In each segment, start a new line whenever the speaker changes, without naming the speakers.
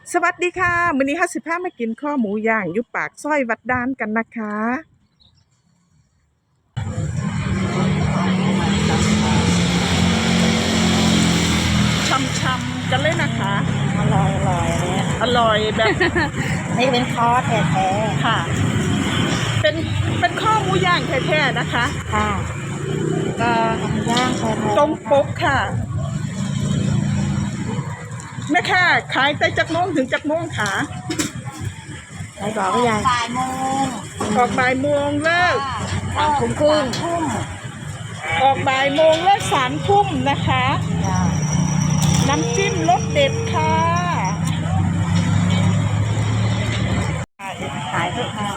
สวัสดีค่ะมื้อนี้55มากินข้อหมูย่างอยู่ปากซอยวัดดานกันนะคะช่ำๆกันเลยนะคะ
อร่อยอันนี้
อร่อยแบบ
นี่เป็นคอร์สแท้
ค่ะ เป็นข้อหมูย่างแท้ๆนะคะ
ๆค่ะย่างแท้ๆ
ตรงปกค่ะแม่ค่ะขายแต่จักโมงถึงจักโมงค่ะ
ไหนบอกก็ยัง
บ่ายโมง
ออกบ่ายโมงเลิก
3 ทุ่มครึ่ง
ทุ่ม
ออกบ่ายโมงเลิก3 ทุ่มนะคะ น้ำจิ้มรสเด็ดค่ะ
ขายทุกค่ะ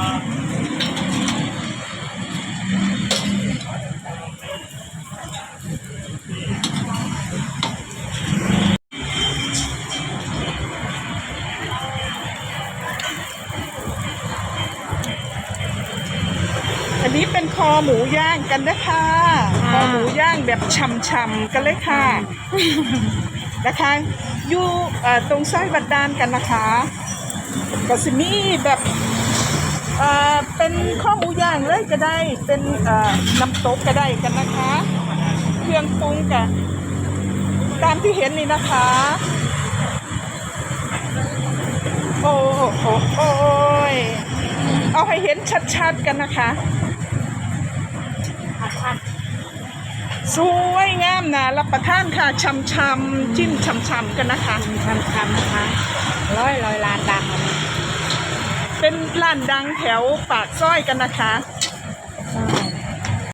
อันนี้เป็นคอหมูย่างกันนะคะคอหมูย่างแบบฉ่ำๆกันเลยค่ะนะคะอยู่ตรงซอยวัดดานกันนะคะก็สิมีแบบเป็นข้อหมูย่างเลยก็ได้เป็นน้ำตกก็ได้กันนะคะเครื่องปรุงกันตามที่เห็นนี่นะคะโอ้โหโอ้ยเอาให้เห็นชัดๆกันนะคะสวยงามนะรับประทานค่ะช่ำๆจิ้มช่ำๆกันนะคะ
ช้ำๆนะคะร้อยล้านดัง
เป็นร้านดังแถวปากซอยกันนะคะ